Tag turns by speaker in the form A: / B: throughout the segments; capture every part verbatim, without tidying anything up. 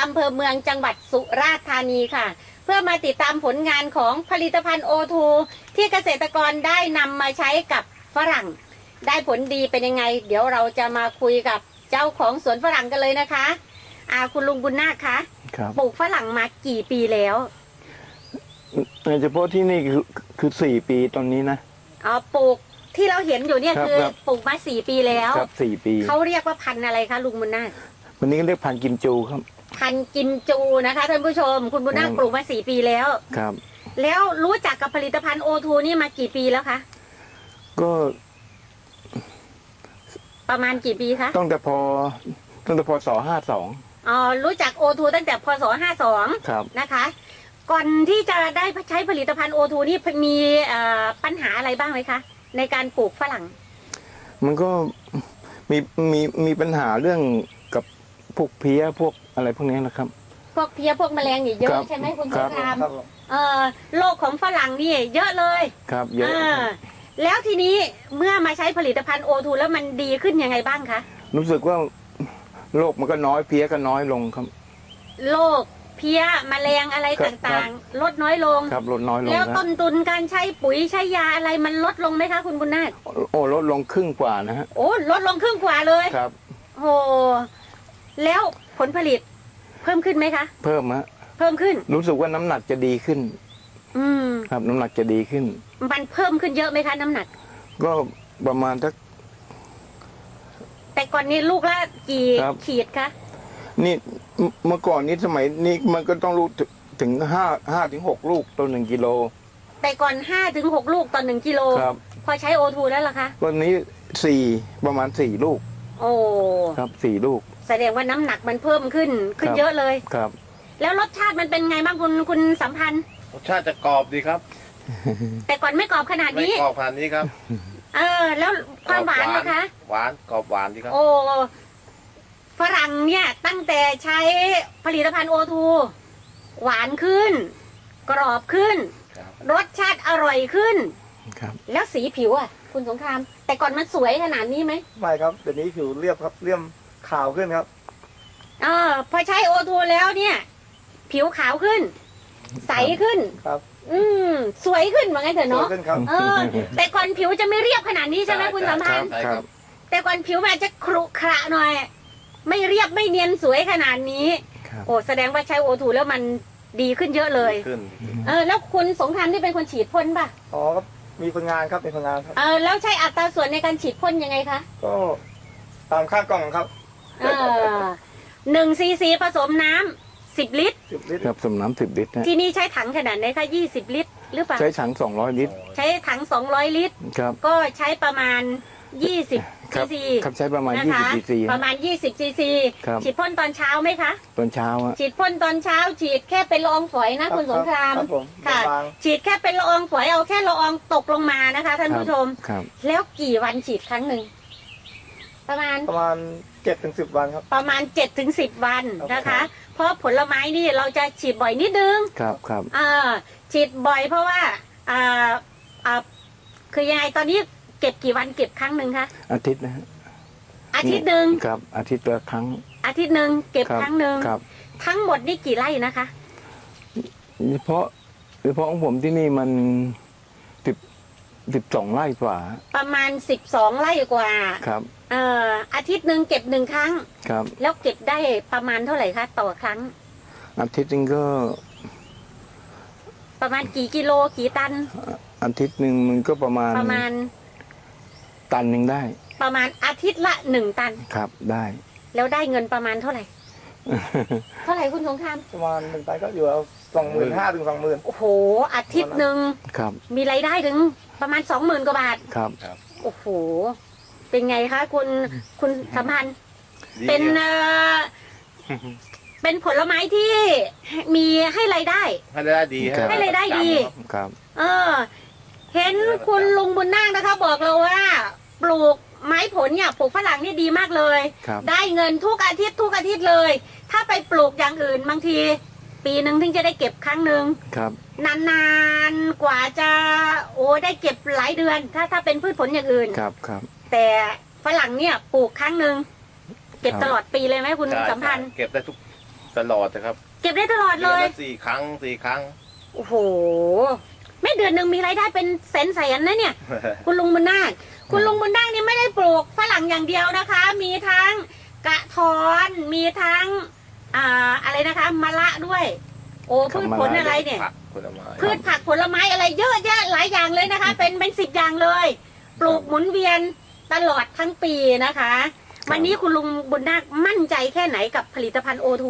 A: อำเภอเมืองจังหวัดสุราษฎร์ธานีค่ะเพื่อมาติดตามผลงานของผลิตภัณฑ์ โอ ทู ที่เกษตรกรได้นำมาใช้กับฝรั่งได้ผลดีเป็นยังไงเดี๋ยวเราจะมาคุยกับเจ้าของสวนฝรั่งกันเลยนะคะอาคุณลุงบุญนาคคะปลูกฝรั่งมากี่ปีแล้ว
B: ในเฉพาะที่นี่คือคือสี่ปีตอนนี้นะ
A: อ๋อปลูกที่เราเห็นอยู่เนี่ยคือปลูกมาสี่ปีแล้ว
B: ครับสี่ปี
A: เขาเรียกว่าพันธุ์อะไรคะลุงบุญนาค
B: วันนี้ก็เรียกพันธุ์กิมจูครับ
A: พันธุ์กิมจูนะคะท่านผู้ชมคุณบุญนาคปลูกมาสี่ปีแล้ว
B: ครับ
A: แล้วรู้จักกับผลิตภัณฑ์ โอ ทู นี่มากี่ปีแล้วคะ
B: ก็
A: ประมาณกี่ปีคะ
B: ตั้งแต่พอตั้งแต่พศห้าสอง
A: อ๋อรู้จัก โอ ทู ตั้งแต่พศห้าสองนะคะก่อนที่จะได้ใช้ผลิตภัณฑ์ โอ ทู นี่มีปัญหาอะไรบ้างไหมคะในการปลูกฝรั่ง
B: มันก็มีมีมีปัญหาเรื่องกับพวกเพี้ยพวกอะไรพวกนี้นะครับ
A: พวกเพี้ยพวกแมลงนี่เยอะใช่ไหมคุณสงครามเอ่อโรคของฝรั่งนี่เยอะเลย
B: ครับเยอะ
A: แล้วทีนี้เมื่อมาใช้ผลิตภัณฑ์ โอ ทู แล้วมันดีขึ้นยังไงบ้างคะ
B: รู้สึกว่าโรคมันก็น้อยเพี้ยก็น้อยลงครับ
A: โรคเพี้ยแมลงอะไรต่างๆลดน้อยลง
B: ครับลดน้อยลง
A: แล้วต้นทุนการใช้ปุ๋ยใช้ยาอะไรมันลดลงไหมคะคุณบุญนาค
B: โอ้ลดลงครึ่งกว่านะฮะ
A: โอ้ลดลงครึ่งกว่าเลย
B: ครับ
A: โอ้แล้วผลผลิตเพิ่มขึ้นไหมคะ
B: เพิ่มฮะ
A: เพิ่มขึ้น
B: รู้สึกว่าน้ำหนักจะดีขึ้น
A: อืม
B: ครับน้ำหนักจะดีขึ้น
A: มันเพิ่มขึ้นเยอะไหมคะน้ำหนัก
B: ก็ประมาณสัก
A: แต่ก่อนนี้ลูกละกี่ขีดคะ
B: นี่เมื่อก่อนนี้สมัยนี้มันก็ต้องรู้ถึงห้าห้าถึงหกลูกต่อหนึ่งกิโล
A: แต่ก่อนห้าถึงหกลูกต่อหนึ่งกิโล
B: ครับ
A: พอใช้ โอ ทู แล้วล่ะคะ
B: วันนี้สี่ประมาณสี่ลูก
A: โอ้
B: ครับสี่ลูก
A: แสดงว่าน้ำหนักมันเพิ่มขึ้นขึ้นเยอะเลย
B: ครับ
A: แล้วรสชาติมันเป็นไงบ้างคุณคุณสัมพันธ์
C: รสชาติจะกรอบดีครับ
A: แต่ก่อนไม่กรอบขนาดนี้
C: ไม่กรอบขนาดนี้ครับ
A: เออแล้วความหวานนะคะ
C: หวานกรอบหวานดีครับ
A: โอ้ฝรั่งเนี่ยตั้งแต่ใช้ผลิตภัณฑ์ โอ ทู หวานขึ้นกรอบขึ้นรสชาติอร่อยขึ้นแล้วสีผิวอ่ะคุณสงครามแต่ก่อนมันสวยขนาดนี้ไหม
D: ไม่ครับเดี๋ยวนี้ผิวเรียบครับเรียบขาวขึ้นครับ
A: เออพอใช้ โอ ทู แล้วเนี่ยผิวขาวขึ้นใสขึ้น
D: ครับ
A: อืมสวยขึ้นว่าไงเถอะเนาะ
D: เอ
A: อแต่ก่อนผิวจะไม่เรียบขนาดนี้ใช่ไหมคุณสัมพันธ์แต่ก่อนผิวมันจะครุขระหน่อยไม่เรียบไม่เนียนสวยขนาดนี้โอ้แสดงว่าใช้ โอ ทู แล้วมันดีขึ้นเยอะเลยเออแล้วคุณสงครามที่เป็นคนฉีดพ่นป่ะ
D: อ๋อครับมีคนงานครับมีคนงานครับ
A: เออแล้วใช้อัตราส่วนในการฉีดพ่นยังไงคะ
D: ก็ตามค่ากล่องครับ
A: เออหนึ่งซีซีผสมน้ำสิบลิตร
D: สิบลิตร
B: ครับผสมน้ำสิบลิตร
A: ที่นี่ใช้ถังขนาดไหนคะยี่สิบลิตรหรือเปล่า
B: ใช้ถังสองร้อยลิตร
A: ใช้ถังสองร้อยลิตร
B: ครับ
A: ก็ใช้ประมาณยี่สิบซีซี
B: ครับใช้ประมาณยี่สิบซีซี
A: ประมาณยี่สิบซีซีฉีดพ่นตอนเช้าไหมคะ
B: ตอนเช้าอะ
A: ฉีดพ่นตอนเช้าฉีดแค่เป็นละอองฝอยนะคุณสงครามค่ะฉีดแค่เป็นละอองฝอยเอาแค่ละอองตกลงมานะคะท่านผู้ชมแล้วกี่วันฉีดครั้งหนึ่งประมาณ
D: ประมาณเจ็ดถึงสิบวันครับ
A: ประมาณเจ็ดถึงสิบวันนะคะเพราะผลไม้นี่เราจะฉีดบ่อยนิดนึง
B: ครับครับ
A: อ่าฉีดบ่อยเพราะว่าอ่าอ่าคือยังไงตอนนี้เก็บกี่วันเก็บครั้งหนึ่งคะ
B: อาทิตย์นะฮะ
A: อาทิตย์หนึ่ง
B: ครับอาทิตย์ละครั้ง
A: อาทิตย์หนึ่งเก็บครั้งหนึ่งทั้งหมดนี่กี่ไร่นะคะ
B: เฉพาะเฉพาะของผมที่นี่มันสิบสิบสองไร่กว่า
A: ประมาณสิบสองไร่กว่า
B: ครับ
A: เอ่ออาทิตย์หนึ่งเก็บหนึ่งครั้ง
B: ครับ
A: แล้วเก็บได้ประมาณเท่าไหร่คะต่อครั้ง
B: อาทิตย์นึงก็
A: ประมาณกี่กิโลกี่ตัน
B: อาทิตย์หนึ่งมันก็ประมาณ
A: ประมาณ
B: ตันหนึ่งได้
A: ประมาณอาทิตย์ละหนึ่งตัน
B: ครับได้
A: แล้วได้เงินประมาณเท่าไหร่ เท่าไหร่คุณสงคราม
D: ประมาณหนึ่งตันก็อยู่เอาสองหมื่นห้าถึงสองหมื่น
A: โอ้โหอาทิตย์หนึ่ง
B: ครับ
A: มีรายได้ถึงประมาณสองหมื่นกว่าบาท
B: ครับ
A: โอ้โหเป็นไงคะคุณคุณสัมพันธ์เป็นเอ่อเป็นผลไม้ที่มีให้รายได้
C: ให้รายได้ดี
A: ให้รายได้ดี
B: ครับ
A: เออเห็นคุณลุงบุญนาคนะคะบอกเราว่าปลูกไม้ผลเนี่ยปลูกฝรั่งนี่ดีมากเลยได้เงินทุกอาทิตย์ทุกอาทิตย์เลยถ้าไปปลูกอย่างอื่นบางทีปีหนึ่งถึงจะได้เก็บครั้งหนึ่งนานๆกว่าจะโอ้ได้เก็บหลายเดือนถ้าถ้าเป็นพืชผลอย่างอื่น
B: ครับครับ
A: แต่ฝรั่งเนี่ยปลูกครั้งหนึ่งเก็บตลอดปีเลยไหมคุณสัมพันธ์
C: เก็บได้ทุกตลอดนะครับ
A: เก็บได้ตลอด
C: เดื
A: เล
C: อน
A: ย
C: ละสี่ครั้งสี่ครั้ง
A: โอ้โหไม่เดือนหนึ่งมีรายได้เป็นแสนแสนๆนะเนี่ย คุณลุงบุญนาคคุณลุงบุญนาคนี่ไม่ได้ปลูกฝรั่งอย่างเดียวนะคะ มีทั้งกระท้อนมีทั้งอ่าอะไรนะคะมะละด้วย โอ้พืชผลอะไรเนี่ย
C: ผักผลไม้
A: พืชผักผลไม้อะไรเยอะแยะหลายอย่างเลยนะคะ เป็นเป็นสิบอย่างเลย ปลูกหมุนเวียนตลอดทั้งปีนะคะ วันนี้คุณลุงบุญนาคมั่นใจแค่ไหนกับผลิตภัณฑ์โอทู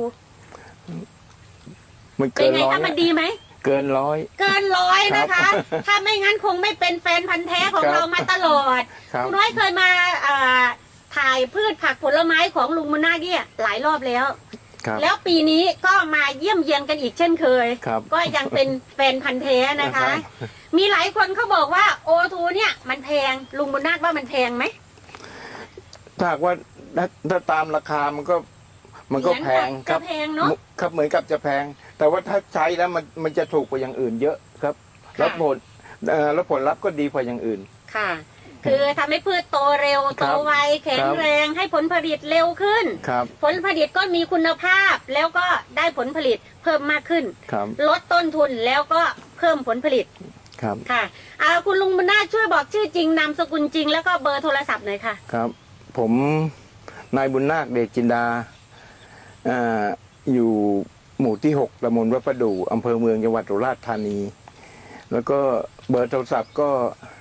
B: มัน
A: เป็
B: เกิ
A: น
B: น
A: ไง
B: ร้อย
A: คะมันดีไหม
B: เกินร้อย
A: เกินร้อยนะคะ
B: ครับ
A: ถ้าไม่งั้นคงไม่เป็นแฟนพันธ์แท้ของ
B: ครับ
A: เรามาตลอด
B: ครับ
A: คุณน้อยเคยมาอ่าถ่ายพืชผักผลไม้ของลุงบุญนาคเนี่ยหลายรอบแล้ว
B: ครับ
A: แล้วปีนี้ก็มาเยี่ยมเยียนกันอีกเช่นเคย
B: ครับ
A: ก็ยังเป็นแฟนพันธ์แท้นะคะ
B: ครับ
A: มีหลายคนเขาบอกว่าโอทูเนี่ยมันแพงลุงบุญนาคว่ามันแพงไหม
B: ถ้าหากว่าถ้าถ้าตามราคามันก็มันก็แพง
A: เหมือน
B: ค
A: กั
B: รั
A: บบ จะแพงเนาะ
B: ครับเหมือนกับจะแพง แต่ว่าถ้าใช้แล้วมันมันจะถูกกว่าอย่างอื่นเยอะครับ
A: ค่ะ
B: แล้วผลเอ่อแล้วผลลัพธ์ก็ดีกว่าอย่างอื่น
A: ค่ะ คือทำให้พืชโตเร็ว
B: ค
A: โต
B: รับ
A: ไวแข็งแรงให้ผลผลิตเร็วขึ้น
B: ครับ
A: ผลผลิตก็มีคุณภาพแล้วก็ได้ผลผลิตเพิ่มมากขึ้น
B: ครับ
A: ลดต้นทุนแล้วก็เพิ่มผลผลิต
B: ครับ
A: ค่ะอ่าคุณลุงบุญนาคช่วยบอกชื่อจริงนามสกุลจริงแล้วก็เบอร์โทรศัพท์หน่อยค่ะ
B: ครับ ผมนายบุญนาคเดชจินดาอ่าอยู่หมู่ที่หกตำบลวัดประดู่อำเภอเมืองจังหวัดสุราษฎร์ธานี แล้วก็เบอร์โทรศัพท์ก็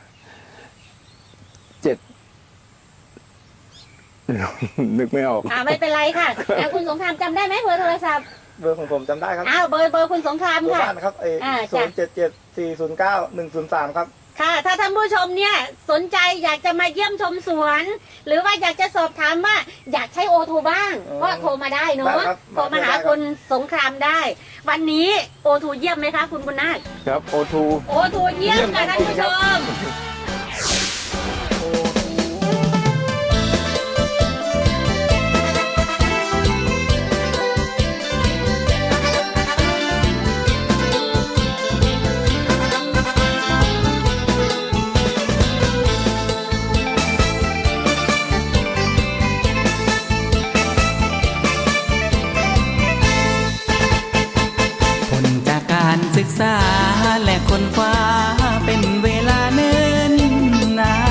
B: เจ็ด นึกไม่ออก
A: อ่าไม่เป็นไรค่ะแล้วคุณสงครามจำได้ไหมเบอร์โทรศัพท์
D: เบอร์ของผมจำได้ครับ
A: อ้าวเบอร์เบอร์คุณสงคราม
D: เบอร์
A: ค่ะ
D: บ้านครับเอ
A: อ่า
D: ศู
A: จ้ะ
D: นย์เจ็ดเจ็ดสี่ศูนย์เก้าหนึ่งศูนย์สามครับ
A: ค่ะ ถ้าท่านผู้ชมเนี่ยสนใจอยากจะมาเยี่ยมชมสวน หรือว่าอยากจะสอบถามว่าอยากใช้โอทูบ้าง
D: อืม
A: ก็โทรมาได้เนาะ
D: ได้ครับ
A: โทรมาหา
D: ได้ครับ
A: คุณสงครามได้ วันนี้โอทูเยี่ยมไหมคะคุณบุญนาค
B: ครับโอทู
A: โอทูเยี่ยมค่ะท่านผู้ชม
E: ผลจากการศึกษาและคนคว้าเป็นเวลาเนิ่นนาน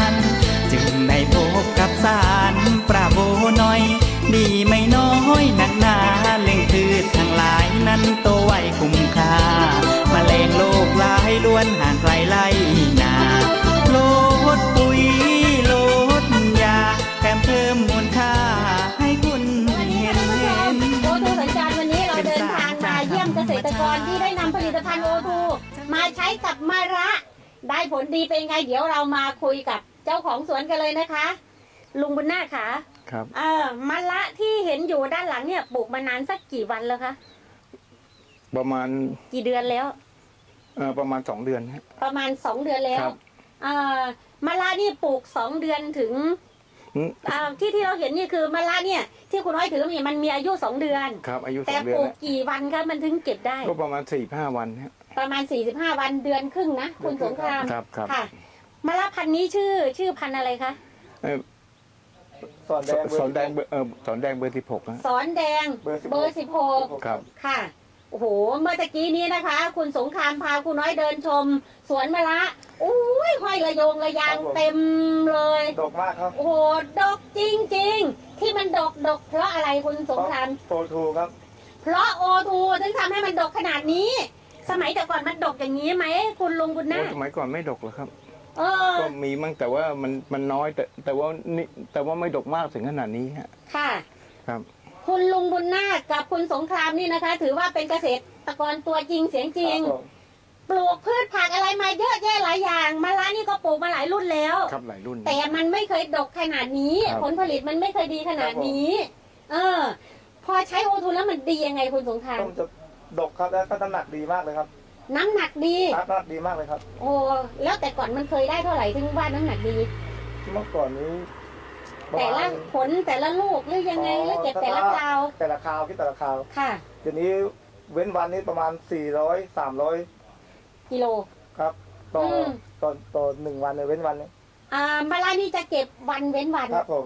E: จึงได้พบกับสารปราโบน้อย ดีไม่น้อยหนักหนาเล่งพืชทั้งหลายนั้นโตไวคุ้มค่ามาแมลงโลกหลายล้วนห่างไกลไล่นาโลดปุ๋ยโลดยาแถมเพิ่มมูลค่าให้คุณเห็นเห็น
A: โอทูสัญจรวันนี้เราเดินทางมาเยี่ยมเกษตรกรที่ได้นำผลิตภัณฑ์โอทูมาใช้กับมะระได้ผลดีเป็นไง เดี๋ยวเรามาคุยกับเจ้าของสวนกันเลยนะคะ ลุงบุญนาคค่ะ
B: ครับ
A: เออมะระที่เห็นอยู่ด้านหลังเนี่ยปลูกมานานสักกี่วันแล้วคะ
B: ประมาณ
A: กี่เดือนแล้ว
B: เอ่อประมาณสองเดือนฮะ
A: ประมาณสองเดือนแล้ว
B: ครับ
A: เอ่อมะระนี่ปลูกสองเดือนถึง
B: อืม
A: อ่าที่ที่เราเห็นนี่คือมะระเนี่ย ที่คุณน้อยถือมีมันมีอายุสองเดือน
B: ครับอายุส
A: แต่
B: องเดื
A: ป
B: อน
A: ลูก
B: แล้ว
A: กี่วันคะมันถึงเก็บได้
B: ก็ประมาณสี่ห้าวันฮะ
A: ประมาณสี่สิบห้าวันเดือนครึ่งนะคุณสงคราม
B: ครับครับ
A: ค่ะมะละพันธุ์นี้ชื่อชื่อพันธุ์อะไรคะ
B: เอ่อ
D: สอนแดงเบอร์
B: สอนแดงเบอร์เออสอนแดงเบอร์สิบหกฮะ
A: สอนแดง
D: เบอร์สิบหก
A: เบอร์สิบหก
B: ครับ
A: ค่ะโอ้โหเมื่อตะกี้นี้นะคะ คุณสงครามพาคุณน้อยเดินชม สวนมะละอุ้ยห้อยระโยงระยางเต็มเลย
D: ดกมากครับ
A: โอ้โหดกจริงๆ ที่มันดกดกเพราะอะไรคุณสงคราม
D: โอทูครับ
A: เพราะโอทูถึงทำให้มันดกขนาดนี้ สมัยแต่ก่อนมันดกอย่างนี้ไหมคุณลุงบุญนา
B: โอ้
A: ค
B: สมัยก่อนไม่ดกหรอกครับ
A: เออ
B: ก็มีมั่งแต่ว่ามันมันน้อยแต่แต่ว่านี่แต่ว่าไม่ดกมากถึงขนาดนี้ฮะ
A: ค่ะ
B: ครับ
A: คุณลุงบุญนาคกับคุณสงครามนี่นะคะ ถือว่าเป็นเกษตรกรตัวจริงเสียงจริง
D: ครับผม
A: ปลูกพืชผักอะไรมาเยอะแยะหลายอย่างมะระนี่ก็ปลูกมาหลายรุ่นแล้ว
B: ครับหลายรุ่น
A: แต่มันไม่เคยดกขนาดนี้
B: ครับ
A: ผลผลิตมันไม่เคยดีขนาดนี้ เออ พอใช้โอทูแล้วมันดียังไงคุณสงคราม
D: ต้นจะดกครับแล้วก็น้ำหนักดีมากเลยครับ
A: น้ำหนักดี
D: น้ำหนักดีมากเลยครับ
A: โอ้แล้วแต่ก่อนมันเคยได้เท่าไหร่ถึงว่าน้ำหนักดี
D: เมื่อก่อนนี้ประ
A: แต่
D: มา
A: ละ
D: ณ
A: ผลแต่ละลูกหรือยังไงหรือเก็บแต่ละคราว
D: แต่ละคราวที่แต่ละคราว
A: ค่ะ
D: เดี๋ยวนี้เว้นวันนี้ประมาณสี่ร้อยสามร้อย
A: กิโล
D: ครับต่ออ
A: ม
D: ต่อต่อหนึ่งวันเลยเว้นวันนี้
A: อ่ามะระนี่จะเก็บวันเว้นวัน
D: ครับผม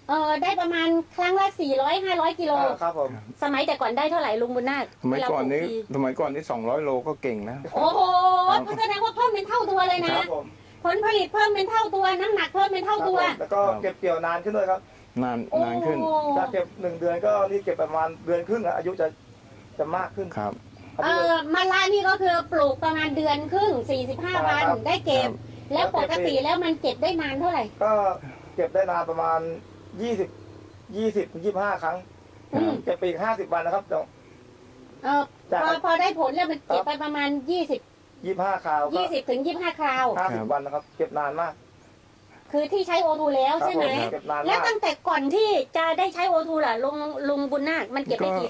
A: เออได้ประมาณครั้งละสี่ร้อยห้าร้อยกิโล
D: อ่าครับผม
A: สมัยแต่ก่อนได้เท่าไหร่ลุงบุญนาค
B: สมัยก่อนนี้
A: เวลาปลูที
B: สมัยก่อนนี้สองร้อยโลก็เก่งแล้ว
A: โอ้โหแสดงว่าเพิ่มเป็นเท่าตัวเลย
D: ค
A: นะ
D: รับผม
A: ผลผลิตเพิ่มเป็นเท่าตัวน้ำหนักเพิ่มเป็นเท่าตัว
D: ครับผมแล้วก็เก็บเกี่ยวนานขึ้นด้วยครับ
B: นาน
A: โอ้
B: นานขึ้น
D: ถ้าเก็บหนึ่งเดือนก็นี่เก็บประมาณเดือนครึ่งอะอายุจะจะมากขึ้น
B: ครับ
A: เออมะละนี่ก็คือปลูกประมาณเดือนครึ่งสี่สิบห้าวัน
D: ครับ
A: ได้เก็บ
B: ครับ
A: แล้วปกติแล้วมันเก็บได้นานเท่าไหร่
D: ก็เก็บได้นานประมาณยี่สิบยี่สิบถึงยี่สิบห้าครั้ง
A: อืม
D: เก็บไปอีกห้าสิบวันนะครับเดี๋ยว
A: เออพอพอได้ผลแล้วมันเก็บไปประมาณยี่สิบ
D: ยี่สิบห้าคราวก็
A: ยี่สิบถึงยี่สิบห้าคราว
D: ห้าสิบวันนะครับ เก็บนานมาก
A: คือที่ใช้โอทูแล้วใช่ไหม
D: ครับผมเก็บนาน
A: แล้ว
D: มาก
A: ตั้งแต่ก่อนที่จะได้ใช้โอทูล่ะลุงลุงบุญนาคมันเก็บได้กี่